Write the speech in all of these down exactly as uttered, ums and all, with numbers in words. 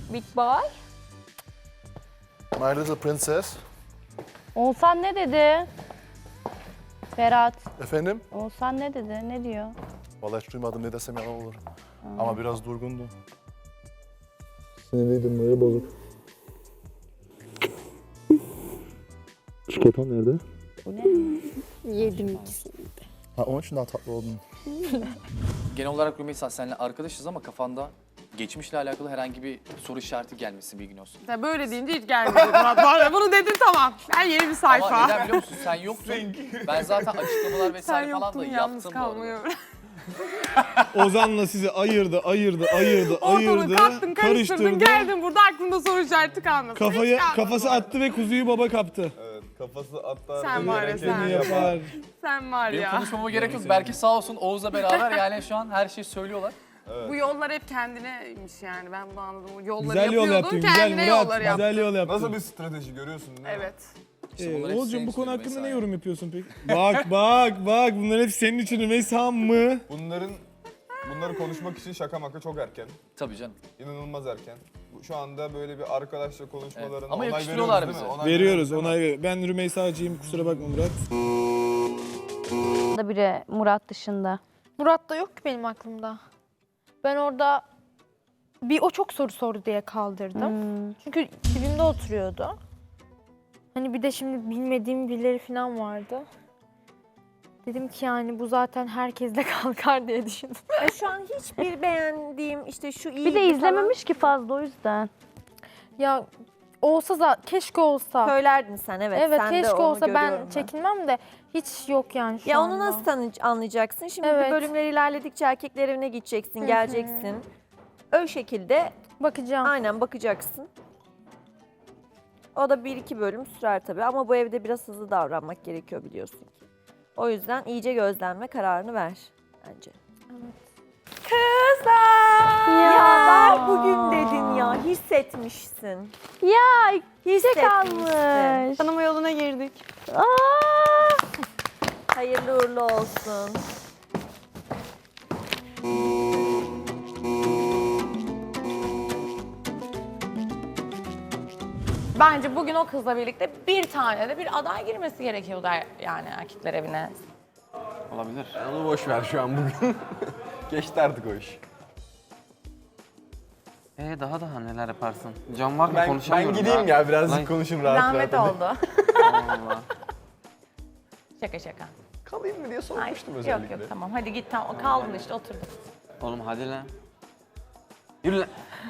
Big boy. My little princess. Oğuzhan ne dedi? Ferhat. Efendim? Oğuzhan ne dedi? Ne diyor? Vallahi hiç duymadım, ne desem yalan olur. Hmm. Ama biraz durgundu. Sinirliydim, böyle bozuk. Çikolatam nerede? Bu ne? Yedim ikisini. Ha, onun için daha tatlı oldun. Genel olarak Rümeysa seninle arkadaşız ama kafanda geçmişle alakalı herhangi bir soru işareti gelmesin, bilgin olsun. Ya böyle deyince hiç gelmedi Murat. Var bunu dedin tamam. Ben yeni bir sayfa. Ama neden biliyor musun? Sen yoktun. Ben zaten açıklamalar Sen vesaire falan yoktun da yalnız yaptım bu arada. kalmıyor. Ozan'la sizi ayırdı, ayırdı, ayırdı, ayırdı. Ortalığı kattın, karıştırdın, geldin burada aklında soru işareti kalmasın. Kafaya, Hiç kalmadı kafası bu arada. attı ve kuzuyu baba kaptı. Evet, kafası hatta... Sen var ya sen. Bunu yapar. Sen var Benim ya. konuşmama gerek yok. Belki sağ olsun Oğuz'la beraber yani şu an her şeyi söylüyorlar. Bu yollar hep kendineymiş yani ben bunu anladım. Bu yolları Güzel yol yapıyordun, yaptın, güzel kendine Murat. yolları yaptın. Güzel yol yaptın. Nasıl bir strateji görüyorsun değil mi? Evet. İşte Ee, bunlar hepsi Oğuzcuğum senin bu konu için hakkında Rümeysa ne ya. yorum yapıyorsun peki? Bak bak bak bunlar hep senin için Rümeysa mı? Bunların, bunları konuşmak için şaka maka çok erken. Tabii canım. İnanılmaz erken. Bu- Şu anda böyle bir arkadaşla konuşmalarına Evet, ama onay yakıştırıyorlar veriyoruz değil mi? bize. Onay Veriyoruz değil mi? onay. Ben Rümeysa'cıyım, kusura bakma Murat. Da biri Murat dışında. Murat da yok ki benim aklımda. Ben orada bir o çok soru sordu diye kaldırdım. Hmm. Çünkü dibimde oturuyordu. Hani bir de şimdi bilmediğim birileri falan vardı. Dedim ki yani bu zaten herkesle kalkar diye düşündüm. E, şu an hiçbir beğendiğim işte şu iyi Bir de izlememiş ki fazla o yüzden. Ya olsa da keşke olsa. söylerdin sen evet. Evet sen de keşke onu olsa ben görüyorum çekinmem de hiç yok yani şu Ya anda. onu nasıl tanı- anlayacaksın? Şimdi Evet. bölümler ilerledikçe erkekler evine gideceksin, geleceksin. O şekilde Bakacağım. aynen bakacaksın. O da bir iki bölüm sürer tabii ama bu evde biraz hızlı davranmak gerekiyor biliyorsun ki. O yüzden iyice gözlenme kararını ver bence. Kızlar! Ya, ver bugün dedin ya, hissetmişsin. Ya Hissetmişsin. kalmış. Tanıma yoluna girdik. Aa! Hayırlı uğurlu olsun. Bence bugün o kızla birlikte bir tane de bir aday girmesi gerekiyordu er- yani erkekler evine. Olabilir. Onu boş ver şu an bugün. Geçti artık o iş. Ee daha daha neler yaparsın? Can var mı Ben, ben konuşamıyorum gideyim ya, birazcık Lan- konuşayım rahat Zahmet rahat. oldu. Allah. Şaka şaka. Kalayım mı diye Ay, sormuştum yok özellikle. yok tamam hadi git tamam kaldın işte oturdun. Oğlum hadi lan. Yürü lan.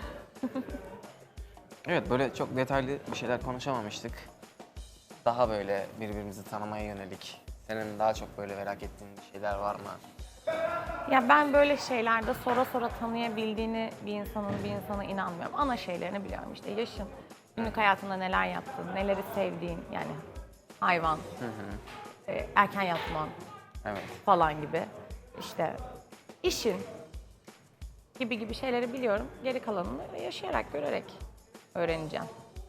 Evet böyle çok detaylı bir şeyler konuşamamıştık. Daha böyle birbirimizi tanımaya yönelik. Senin daha çok böyle merak ettiğin şeyler var mı? Ya ben böyle şeylerde sonra sonra tanıyabildiğini bir insanın bir insana inanmıyorum. Ana şeylerini biliyorum işte yaşın, günlük hayatında neler yaptın, neleri sevdiğin yani hayvan, e, erken yatman Evet. falan gibi işte işin gibi gibi şeyleri biliyorum. Geri kalanını yaşayarak, görerek öğreneceğim.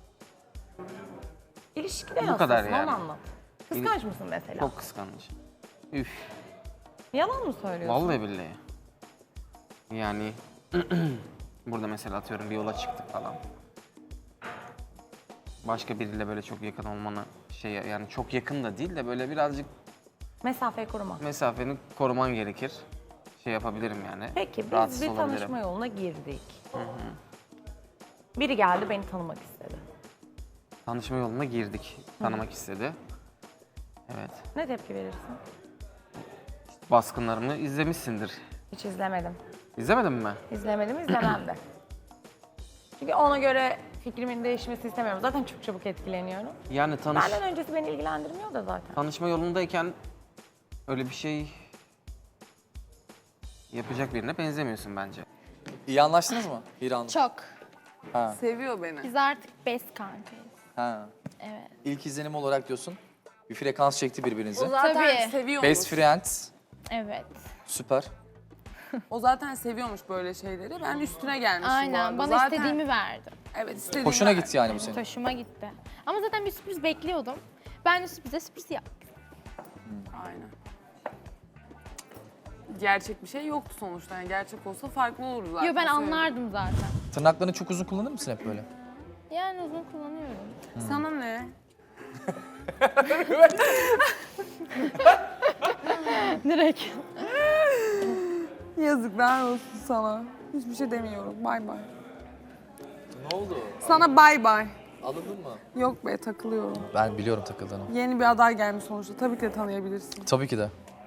İlişkide Bu nasılsın kadar onu yani. anlat. Kıskanç mısın mesela? Çok kıskanç. Üf. Yalan mı söylüyorsun? Vallahi billahi. Yani burada mesela atıyorum bir yola çıktık falan. Başka biriyle böyle çok yakın olmanı şey yani çok yakın da değil de böyle birazcık Mesafeyi koruma. mesafeni koruman gerekir. Şey yapabilirim yani. Peki biz rahatsız bir olabilirim. tanışma yoluna girdik. Biri geldi beni tanımak istedi. Tanışma yoluna girdik. Tanımak istedi. Evet. Ne tepki verirsin? Baskınlarımı izlemişsindir. Hiç izlemedim. İzlemedin mi? İzlemedim, izlemem de. Çünkü ona göre fikrimin değişmesi istemiyorum. Zaten çok çabuk etkileniyorum. Yani tanış Benden öncesi beni ilgilendirmiyor da zaten. tanışma yolundayken öyle bir şey yapacak birine benzemiyorsun bence. İyi anlaştınız mı Hira Hanım? Çok. Ha. Seviyor beni. Biz artık best kankayız. Ha. Evet. İlk izlenim olarak diyorsun. Bir frekans çekti birbirinizi. Zaten Tabii. seviyormuş. Best friends. Evet. Süper. O zaten seviyormuş böyle şeyleri. Ben üstüne gelmişim bu Aynen. arada. Bana zaten, istediğimi verdi. Evet istediğimi Hoşuna verdi. gitti yani bu senin. Hoşuma gitti. Ama zaten bir sürpriz bekliyordum. Ben de sürprize sürpriz yaptım. Aynen. gerçek bir şey yoktu sonuçta. Yani gerçek olsa farklı olurdu zaten. Yo ben Söyledim. anlardım zaten. Tırnaklarını çok uzun kullanır mısın hep böyle? Yani uzun kullanıyorum. Sana ne? Direkt. Yazıklar olsun sana. Hiçbir şey demiyorum. Bay bay. Ne oldu? Sana bay bay. Alındın mı? Yok be, takılıyorum. Ben biliyorum takıldığını. Yeni bir aday gelmiş sonuçta. Tabii ki de tanıyabilirsin. Tabii ki de.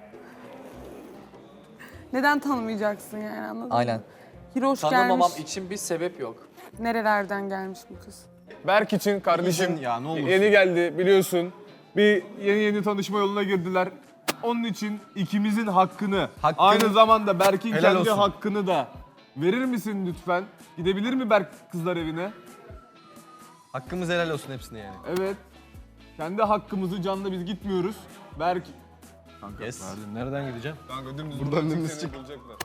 Neden tanımayacaksın yani, anladın mı? Aynen. Hiroş Tanımamam gelmiş. için bir sebep yok. Nerelerden gelmiş bu kız? Berk için kardeşim Ya ne olursun. yeni geldi biliyorsun. Bir yeni yeni tanışma yoluna girdiler. Onun için ikimizin hakkını, Hakkını- aynı zamanda Berk'in Helal kendi olsun. hakkını da verir misin lütfen? Gidebilir mi Berk kızlar evine? Hakkımız helal olsun hepsine yani. Evet. Kendi hakkımızı canla biz gitmiyoruz. Berk Yes. Nereden gideceğim? kanka dümdüz Buradan buradan dümdüz seni çık. bulacaklar.